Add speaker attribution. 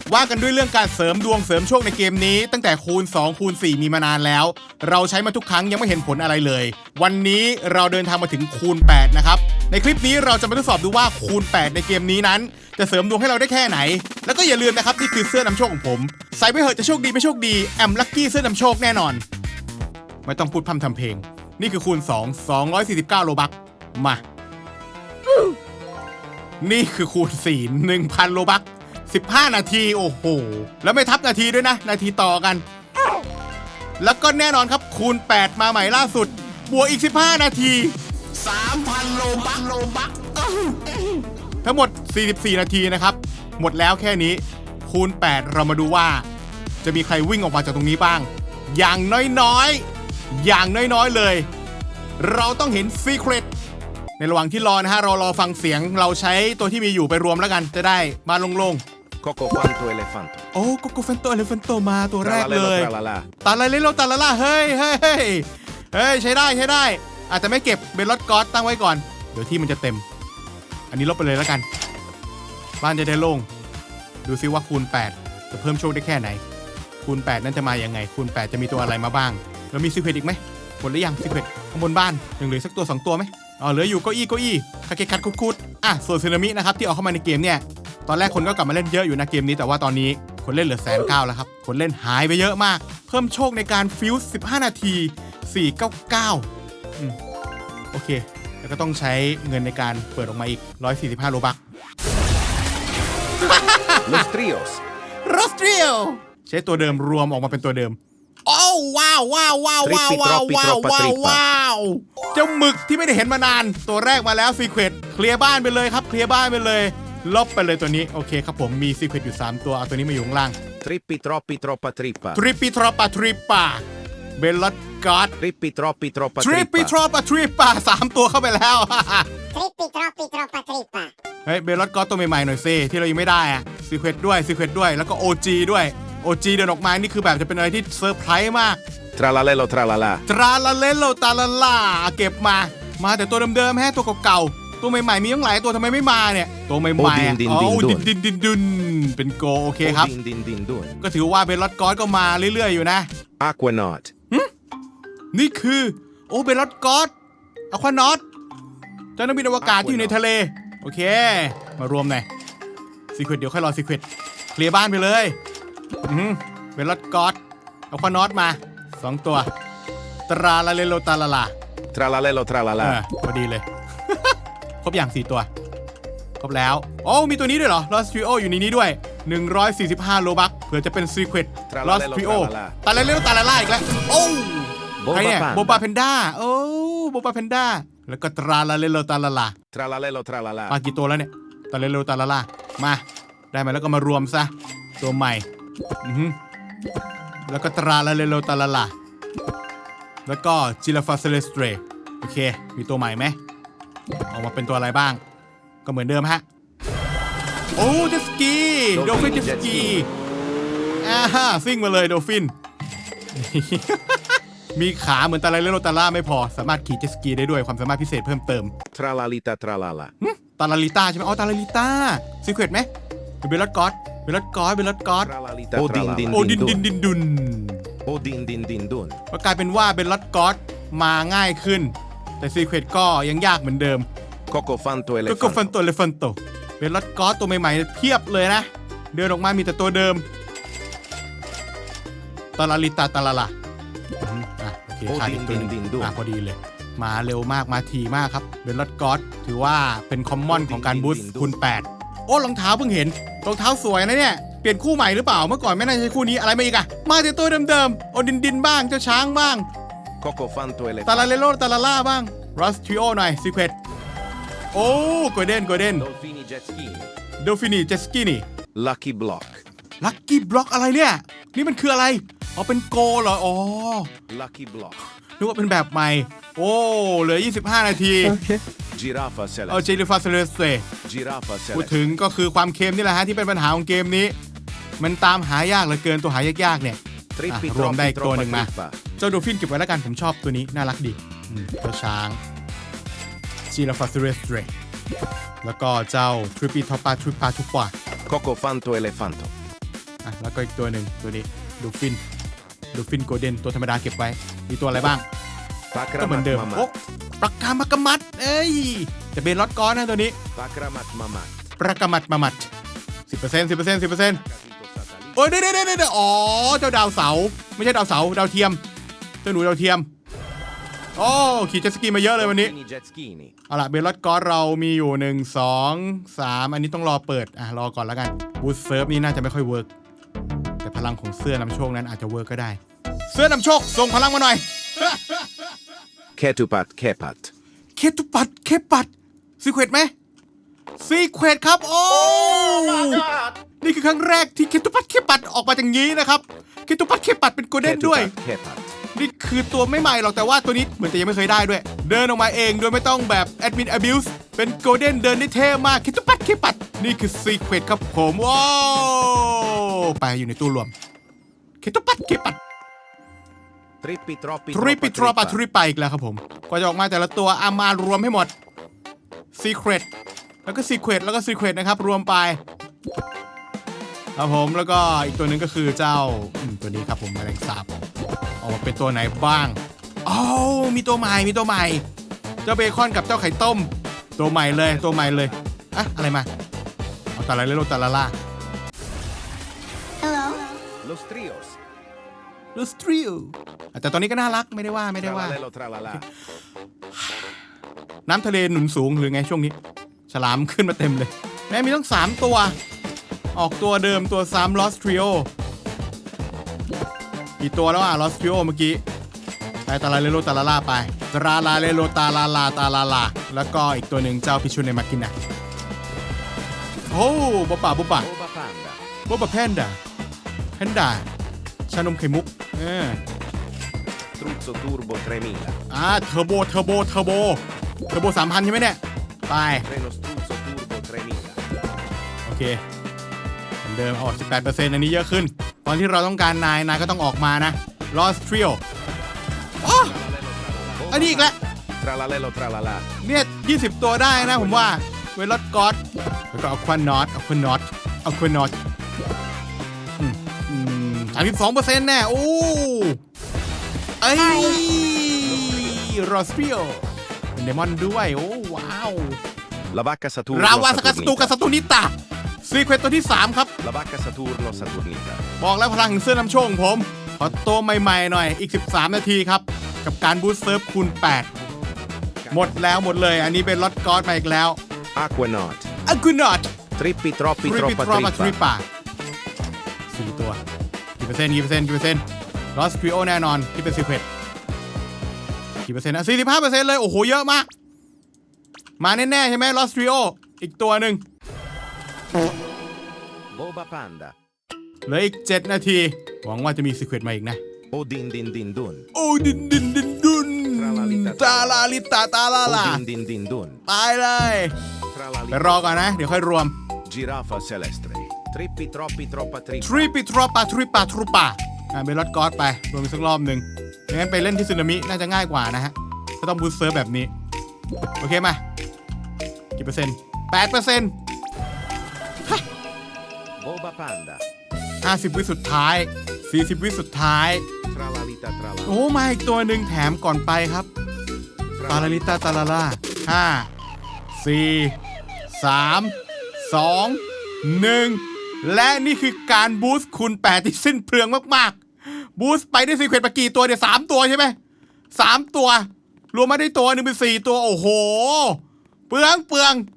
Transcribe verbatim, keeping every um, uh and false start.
Speaker 1: ว่ากันด้วยเรื่องการเสริมดวงเสริมโชคในเกมนี้ตั้งแต่คูณสองคูณสี่มีมานานแล้วเราใช้มาทุกครั้งยังไม่เห็นผลอะไรเลยวันนี้เราเดินทางมาถึงคูณแปดนะครับในคลิปนี้เราจะมาทดสอบดูว่าคูณแปดในเกมนี้นั้นจะเสริมดวงให้เราได้แค่ไหนแล้วก็อย่าลืมนะครับนี่คือเสื้อนำโชคของผมใส่ไปเหอะจะโชคดีไม่โชคดีแอมลัคกี้เสื้อนำโชคแน่นอนไม่ต้องพูดพร่ำทำเพลงนี่คือคูณสอง สองร้อยสี่สิบเก้าโลบัคมานี่คือคูณสี่ หนึ่งพันโลบัคสิบห้านาทีโอ้โหแล้วไม่ทับนาทีด้วยนะนาทีต่อกันแล้วก็แน่นอนครับคูณแปดมาใหม่ล่าสุดบวกอีกสิบห้านาที
Speaker 2: สามพันโลบัคโลบัค
Speaker 1: ทั้งหมดสี่สิบสี่นาทีนะครับหมดแล้วแค่นี้คูณแปดเรามาดูว่าจะมีใครวิ่งออกมาจากตรงนี้บ้างอย่างน้อยๆอย่างน้อยๆเลยเราต้องเห็นซีเครตในระหว่างที่รอนะฮะเรารอฟังเสียงเราใช้ตัวที่มีอยู่ไปรวมแล้วกันจะได้มาโล่งๆ
Speaker 2: Coco Fanto Elefanto
Speaker 1: โอ้โกโกเฟนโตเอเลฟันโตมาตัวแรกเลย
Speaker 2: ตาลาลา
Speaker 1: ตาลาเลโลตาลาล่าเฮ้ยเฮ้ยเฮ้ยเฮ้ยใช้ได้ใช้ได้อาจจะไม่เก็บเบลลอดกอสตั้งไว้ก่อนเดี๋ยวที่มันจะเต็มอันนี้ลบไปเลยแล้วกันบ้านจะได้โล่งดูซิว่าคูณแปดจะเพิ่มโชคได้แค่ไหนคูณแปดนั้นจะมายังไงคูณแปดจะมีตัวอะไรมาบ้างแล้วมีซีเครตอีกไหมหมดหรือยังซีเครตข้างบนบ้านยังเหลือสักตัวสองตัวไหมอ๋อเหลืออยู่เก้าอี้เก้าอี้คาเกคัดคุดๆอ่ะส่วนสึนามินะครับที่เอาเข้ามาในเกมเนี่ยตอนแรกคนก็กลับมาเล่นเยอะอยู่นะเกมนี้แต่ว่าตอนนี้คนเล่นเหลือแสนเก้าแล้วครับคนเล่นหายไปเยอะมากเพิ่มโชคในการฟิวส์สิบห้านาทีสี่ร้อยเก้าสิบเก้าอืมโอเคแล้วก็ต้องใช้เงินในการเปิดออกมาอีกหนึ่งร้อยสี่สิบห้าโลบัค
Speaker 2: Los Trios
Speaker 1: โรสเตรียลใช้ตัวเดิมรวมออกมาเป็นตัวเดิมโอ้ว้าวว้าวว้าวว้าวว้าวว้าวว้าวว้าวเจ้าหมึกที่ไม่ได้เห็นมานานตัวแรกมาแล้วซีเครตเคลียร์บ้านไปเลยครับเคลียร์บ้านไปเลยลบไปเลยตัวนี้โอเคครับผมมีซีเครตอยู่สามตัวเอาตัวนี้มาอยู่ข้างล่าง
Speaker 2: Trippi Troppi Troppa Trippa
Speaker 1: ทริปปีทรอปาทริปปาเบลลอดกอด
Speaker 2: Trippi Troppi Troppa
Speaker 1: ทริปปีทร
Speaker 2: Trippa
Speaker 1: อปาทริปปาสามตัวเข้าไปแล้ว
Speaker 3: Trippi troppi troppa trippa
Speaker 1: เฮ้ยเบลลอดกอดตัวใหม่ๆหน่อยซิที่เรายังไม่ได้อะซีเครตด้วยซีเครตด้วยแล้วก็ โอ จี ด้วย โอ จี เดินออกมานี่คือแบบจะเป็นอะไรที่เซอร์ไพรส์มาก
Speaker 2: Tralalelo Tralala
Speaker 1: ตราลาเลโลตาลาลาเก็บมามาแต่ตัวเดิมๆแฮะตัวเก่าๆตัวใหม่ๆมีตั้งหลายตัวทำไมไม่มาเนี่ยตัวใหม่ๆ
Speaker 2: โอ้ดินดิน
Speaker 1: อ๋อ
Speaker 2: ดิน
Speaker 1: ดินดินดินดินเป็นโกโอเคครับ
Speaker 2: Din Din Din Dun
Speaker 1: ก็ถือว่าเบลลอดกอดก็มาเรื่อยๆอยู่นะ
Speaker 2: Aquanaut
Speaker 1: นี่คือโอ้เบลลอดกอดอะควานอตเจ้านักบินอวกาศที่อยู่ในทะเลโอเคมารวมหน่อยซีเครตเดี๋ยวค่อยรอซีเครตเคลียร์บ้านไปเลยอืมเบลลอดกอดอะควานอตมาสองตัวตราลาเลโลตาลาลา
Speaker 2: Tralalelo
Speaker 1: เออ
Speaker 2: Tralala
Speaker 1: พอดีเลย ครบอย่างสี่ตัวครบแล้วโอ้มีตัวนี้ด้วยเหรอ Lost Trio อยู่ในนี้ด้วยหนึ่งร้อยสี่สิบห้าโลบัคเผื่อจะเป็น Secret Lost Trio ตาลาเลโลตาลาลาอีกแล้วโอ้ใครเนี่ยโบบาเพนด้าโอ้โบบาเพนด้าแล้วก็ตราลาเลโลตาลาลา
Speaker 2: Tralalelo Tralala
Speaker 1: มากี่ตัวแล้วเนี่ยตาเลโลตาลาลามาได้มาแล้วก็มารวมซะตัวใหม่อือฮึแล้วก็ตราลาเลโลตาลาลาแล้วก็จิลาฟาเซเลสเตรโอเคมีตัวใหม่ไหมออกมาเป็นตัวอะไรบ้างก็เหมือนเดิมฮะโอ้เจตสกีโดฟินเจตสกีอ่าฮะซิ่งมาเลยโดฟิน มีขาเหมือนตาลาเลโลตาลาไม่พอสามารถขี่เจตสกีได้ด้วยความสามารถพิเศษเพิ่มเติม
Speaker 2: Tralalita Tralala
Speaker 1: หึตาลาลิต้าใช่ไหมอ๋อตาลาลิต้าซีเครตไหมเบลลอดกอดเบลลอดกอดเบลลอดกอด
Speaker 2: Tralalita โอ้ดินดิน
Speaker 1: โอ้ดินดินดินดุน
Speaker 2: โอ้ดินดินดินดุน
Speaker 1: ก็กลายเป็นว่าเบลลอดกอดมาง่ายขึ้นแต่ซีเครตก็ยังยากเหมือนเดิม
Speaker 2: Coco Fanto
Speaker 1: ก็ก็ฟัน
Speaker 2: Elefanto
Speaker 1: โตเลฟันโตเบลลอดกอสตัวใหม่ๆเพียบเลยนะเดินออกมามีแต่ตัวเดิมตาลาลิตาตาลาลาอ่ะโอเคขาดอีกตัวหนึงอ่ะพอดีเลยมาเร็วมากมาทีมากครับเบลลอดกอสถือว่าเป็นคอมมอนของการบูสต์คูณแปดโอ้รองเท้าเพิ่งเห็นรองเท้าสวยนะเนี่ยเปลี่ยนคู่ใหม่หรือเปล่าเมื่อก่อนไม่น่าใช่คู่นี้อะไรมาอีกอะมาแต่ตัวเดิมๆโอดินดินบ้างเจ้าช้างบ้าง
Speaker 2: Coco Fanto
Speaker 1: ตาลา
Speaker 2: Elefanto
Speaker 1: เลโลตาลาล่าบ้างรัสทริโอหน่อยซีเครตโอ้โกลเด้นโกลเด้น
Speaker 2: Dolfini Jet Ski
Speaker 1: โดฟินีเจสกี้นี่
Speaker 2: Lucky Block
Speaker 1: ลัคกี้บล็อกอะไรเนี่ยนี่มันคืออะไรอ๋อเป็นโกเหรออ๋อ
Speaker 2: Lucky Block
Speaker 1: นึกว่าเป็นแบบใหม่โอ้เหลือยี่สิบห้านาที
Speaker 2: Giraffa
Speaker 1: เอา
Speaker 2: Celeste
Speaker 1: เจลิฟาเซเลสเต
Speaker 2: Giraffa
Speaker 1: พูด
Speaker 2: Celeste
Speaker 1: ถึงก็คือความเค็มนี่แหละฮะที่เป็นปัญหาของเกมนี้ มันตามหายากเหลือเกินตัวหายากๆเนี่ยอ่ะ
Speaker 2: Trippi
Speaker 1: รวมได้
Speaker 2: Troppi
Speaker 1: อีกตัวหนึ่ง
Speaker 2: Troppa
Speaker 1: มา
Speaker 2: Trippa
Speaker 1: เจ้าโดฟินเก็บไว้แล้วกันผมชอบตัวนี้น่ารักดีอืมเจ้าช้างจิลาฟาเซเลสเตแล้วก็เจ้าทริปปีทอปปาทริปปาทุกปา
Speaker 2: Coco Fanto Elefanto
Speaker 1: อ่ะแล้วก็อีกตัวหนึ่งตัวนี้ดูฟินดูฟินโกลเด้นตัวธรรมดาเก็บไว้ มีตัวอะไรบ้างก็เหมือน
Speaker 2: Pakramat
Speaker 1: เดิมโอ้
Speaker 2: Mamat.
Speaker 1: ปรากามักกะมัดเอ้ยจะเป็นล็อตก้อนนะตัวนี้
Speaker 2: Pakramat Mamat.
Speaker 1: ปรากามัดมามัดสิบเปอร์เซ็นต์สิบเปอร์เซ็นต์สิบเปอร์เซ็นต์
Speaker 2: Casito Satellite.
Speaker 1: โอ้ยเดี๋ยวเดี๋ยวเดี๋ยวอ๋อเจ้าดาวเสาไม่ใช่ดาวเสาดาวเทียมเจ้าหนูดาวเทียมโอ้ขี่เจ็ตสกีมาเยอะเลยวันนี้
Speaker 2: Dolphini Jetskini.
Speaker 1: เอาล่ะเบลลอดกอสเรามีอยู่หนึ่ง สอง สามอันนี้ต้องรอเปิดอ่ะรอก่อนแล้วกันบูสเซิร์ฟนี่น่าจะไม่ค่อยเวิร์กแต่พลังของเสื้อนำโชคนั้นอาจจะเวิร์กก็ได้ เสื้อนำโชคส่งพลังมาหน่อย
Speaker 2: Ketupat Kepat.
Speaker 1: เคตุปัดเคปัดซีเควตไหมซีเควตครับโอ้นี่คือครั้งแรกที่เคตุปัดเคปัดออกมาอย่างนี้นะครับเคตุปัดเคปัดเป็นโกลเด้นด้วย
Speaker 2: Ketupat Kepat.
Speaker 1: นี่คือตัวไม่ใหม่หรอกแต่ว่าตัวนี้เหมือนจะยังไม่เคยได้ด้วย เดินออกมาเองโดยไม่ต้องแบบแอดมิน abuse เป็นโกลเด้นเดินได้เท่มากคิดตุปัดคิดปัดนี่คือซีเครตครับผมว้าวไปอยู่ในตู้รวมคิดตุปัดคิดปัด
Speaker 2: Trippi Troppi
Speaker 1: ทริปปิทรอปา
Speaker 2: Troppa
Speaker 1: ทริปไปอีกแล้วครับผมกว่าจะออกมาแต่ละตัวเอามารวมให้หมดซีเครตแล้วก็ซีเครตแล้วก็ซีเครตนะครับรวมไปครับผมแล้วก็อีกตัวหนึ่งก็คือเจ้าอืมตัวนี้ครับผมแมลงสาบออกมาเป็นตัวไหนบ้างอ้าวมีตัวใหม่มีตัวใหม่เจ้าเบคอนกับเจ้าไข่ต้มตัวใหม่เลยตัวใหม่เลยอะอะไรมาเอาแต่ละเลโลแต่ละล่า
Speaker 3: Hello.
Speaker 2: Los Trios.
Speaker 1: ลูสตริโอแต่ตัวนี้ก็น่ารักไม่ได้ว่าไม่ได้ว่า
Speaker 2: Tralalelo Tralala.
Speaker 1: น้ำทะเลหนุนสูงหรือไงช่วงนี้ ฉลามขึ้นมาเต็มเลย แม้มีต้องสามตัว ออกตัวเดิมตัวซ้ำลอสทริโอกี่ตัวแล้วอ่ะลอสทริโอเมื่อกี้ไปตาลาเลโลตาลาลาไปตราลาเลโลตาลาลาตาลาลาแล้วก็อีกตัวหนึ่งเจ้าพิชุนในมากินะโอ้บ๊อบป่าบ๊อบป่า
Speaker 2: Boba Panda.
Speaker 1: บ๊อบป่าแพนด้าแพนด้าชานมไข่มุกเออ
Speaker 2: Struzzo Turbo tremila.
Speaker 1: อ่าเทอร์โบเทอร์โบเทอร์โบเทอร์โบสามพันใช่ไหมเนี่ยไป
Speaker 2: Treno Struzzo Turbo tremila.
Speaker 1: โอเคเหมือนเดิมออก สิบแปดเปอร์เซ็นต์ อันนี้เยอะขึ้น ตอนที่เราต้องการนาย นายก็ต้องออกมานะ Lost Trio อ๋อ อันนี้อีกแล้ว
Speaker 2: Tralalelo Tralala.
Speaker 1: เนี่ยยี่สิบตัวได้นะผมว่า เวลอดกอดแล้วก็เอาควันน็อตเอาควันน็อตเอาควันน็อตสามสิบสองเปอร์เซ็นต์แน่ โอ้เอ้ย Lost Trio เป็นเดมอนด้วย โอ้ ว้าว
Speaker 2: La vacca Saturno
Speaker 1: ราวาสกัดสตู
Speaker 2: Saturnita.
Speaker 1: กับสตูนิตาซีเควตตัวที่สามครับ
Speaker 2: La vacca Saturno Saturnita.
Speaker 1: บอกแล้วพลังแห่งเสื้อนำโชคของผม ขอตัวใหม่ๆหน่อยอีกสิบสามนาทีครับ กับการบูสต์เซิร์ฟคูณแปดหมดแล้วหมดเลย อันนี้เป็นลอตกอสมาอีกแล้ว
Speaker 2: Aquanaut.
Speaker 1: อากูนอต
Speaker 2: Trippi Troppi
Speaker 1: ทริปปิ
Speaker 2: Troppa
Speaker 1: ทรอมาทริป
Speaker 2: Trippa.
Speaker 1: ป่าสี่ตัวกี่เปอร์เซ็นต์กี่เปอร์เซ็นต์กี่เปอร์เซ็นต์ลอสทริโอแน่นอนที่เป็นซีเควตกี่เปอร์เซ็นต์อ่ะสี่สิบห้าเปอร์เซ็นต์เลยโอ้โหเยอะมาก มาแน่ๆใช่ไหมลอสทริโออีกตัวหนึ่ง
Speaker 2: Boba Panda.
Speaker 1: เหลืออีกเจ็ดนาทีหวังว่าจะมีซีเควตมาอีกนะ
Speaker 2: Odin Din Din Dun.
Speaker 1: โอ้ดินดินดินดุนตาลาลิตาตาลาลา
Speaker 2: Odin Din Din Dun.
Speaker 1: ตายเลย ไป
Speaker 2: Tralalelo.
Speaker 1: รอก่อนนะ เดี๋ยวค่อยรวม
Speaker 2: Giraffa Celestre. Trippi Troppi Troppa
Speaker 1: ทริ
Speaker 2: Trippa.
Speaker 1: ปิทรอปาทริปาทรูปาอ่าเบลลอดกอสไป รวมอีกสักรอบหนึ่งไม่งั้นไปเล่นที่สึนามิน่าจะง่ายกว่านะฮะก็ต้องบูสต์เซิร์ฟแบบนี้ โอเคมา กี่เปอร์เซ็นต์แปดเปอร์เซ็นต์
Speaker 2: Boba Panda.
Speaker 1: ห้าสิบวิสุดท้าย สี่สิบวิสุดท้าย
Speaker 2: Tralalita Tralala.
Speaker 1: โอ้มาอีกตัวหนึ่งแถมก่อนไปครับ ตาลาลิตาตาลาลาห้า สี่ สาม สอง หนึ่ง และนี่คือการบูสต์คูณแปดที่สิ้นเปลืองมากๆ บูสต์ไปได้ซีเควนต์ไปกี่ตัวเดี๋ยวสามตัวใช่ไหมสามตัว รวมมาได้ตัวหนึ่งเป็นสี่ตัว โอ้โห เปลืองเปลือง